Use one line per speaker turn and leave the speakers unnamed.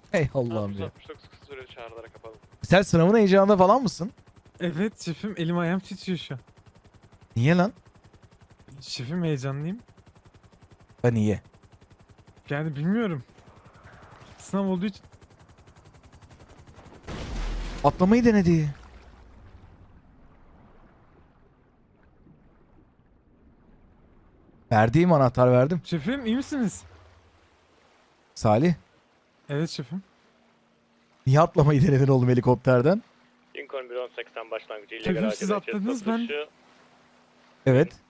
Hey Allah'ım ya.
69 kısa süreli çağrılara kapalı.
Sen sınavın heyecanında falan mısın?
Evet şefim, elim ayağım titriyor şu an.
Niye lan?
Şefim, heyecanlıyım.
Ben niye?
Yani bilmiyorum. Sınav olduğu için.
Atlamayı denedi. Verdiğim anahtar verdim.
Şefim, iyi misiniz?
Salih.
Evet şefim.
Niye atlamayı denedin oğlum helikopterden?
Lincoln 1.18'den başlangıcı
Şefim,
illegal
siz
acele
atladınız, ben-
satışı.
Evet.